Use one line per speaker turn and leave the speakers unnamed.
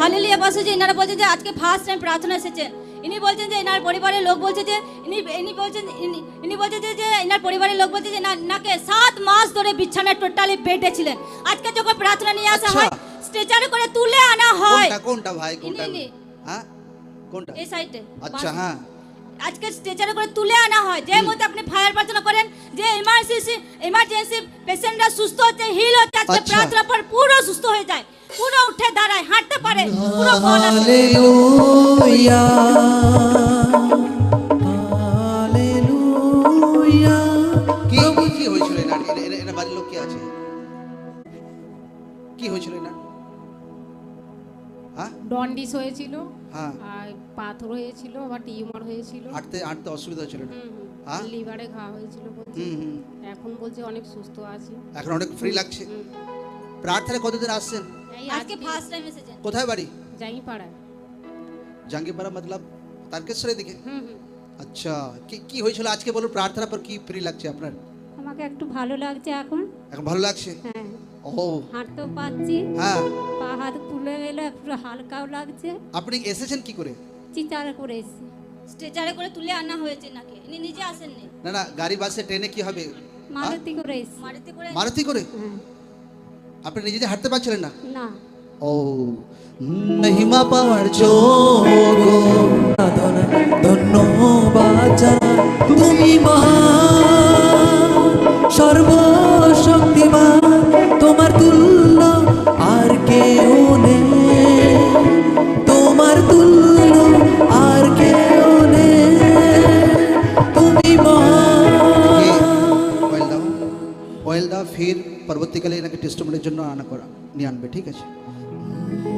Hallelujah পাশে যে এনারা বলছেন যে আজকে ফার্স্ট টাইম প্রার্থনা এসেছেন। ইনি বলছেন যে এনার পরিবারের লোক বলছে যে ইনি বলছেন যে এনার পরিবারের লোক বলছে যে নাকে 7 মাস ধরে বিছানায় টোটালি বেডে ছিলেন। আজকে যখন প্রার্থনা নিয়ে আসা হয় স্ট্রেচারে করে তুলে আনা হয়।
কোনটা ভাই কোনটা? হ্যাঁ কোনটা?
এই সাইডে।
আচ্ছা হ্যাঁ,
আজকে স্ট্রেচারে করে তুলে আনা হয়। যে মধ্যে আপনি ফায়ার প্রার্থনা করেন যে ইমার্জেন্সি পেশেন্টরা সুস্থ হচ্ছে, হিল হচ্ছে, আজকে প্রার্থনা পর পুরো সুস্থ হয়ে যায়, পুরো উঠে দাঁড়ায়, হাঁটতে পারে, পুরো বল আসে।
Hallelujah hallelujah.
কি হয়েছিল এনার বাড়ির লোক কি আছে? কি হয়েছিল না? হ্যাঁ,
ডন্ডিস হয়েছিল,
হ্যাঁ,
আর পাথর হয়েছিল, আবার টিউমার হয়েছিল,
হাঁটতে অসুবিধা হচ্ছিল না? হ্যাঁ,
লিভারে ঘা হয়েছিল বলছে। এখন বলছে অনেক সুস্থ আছে,
এখন অনেক ফ্রি লাগছে। প্রার্থনায় কতদিন আসছেন?
এই
আজকে ফার্স্ট টাইম এসেছেন।
কোথায় বাড়ি?
জাঙ্গিপাড়ায়।
জাঙ্গিপাড়া মতলব তারকেশ্বরের দিকে? আচ্ছা, কি হয়েছিল আজকে বলুন? প্রার্থনা পর কি ফ্রি লাগছে আপনার?
আমাকে একটু ভালো লাগছে এখন।
এখন ভালো লাগছে?
হ্যাঁ,
ও
হাঁটতেও পাচ্ছি,
হ্যাঁ।
পা হাত ফুলে গেল, একটু হালকাও লাগছে।
আপনি এসেছেন কি করে?
চিৎকার করে এসেছি।
স্ট্রেচারে করে তুলে আনা হয়েছে নাকি? ইনি নিজে আসেননি।
না গাড়ি বাসে ট্রেনে কি হবে?
মারুতি করে এসেছি।
মারুতি করে?
হ্যাঁ।
আপনি নিজে হাঁটতে পারছিলেন না?
না,
ও
মহিমা পাওয়ার যোগ্য ধন্যবাদ জানাই। তুমি মহান সর্বশক্তিমান, তোমার তুল্য আর কেউ নেই, তোমার তুল্য আর কেউ নেই, তুমি মহান।
অয়েল দাও, ফির পরবর্তীকালে এনাকে টেস্টমেন্টের জন্য আনা করা নিয়ে আনবে, ঠিক আছে?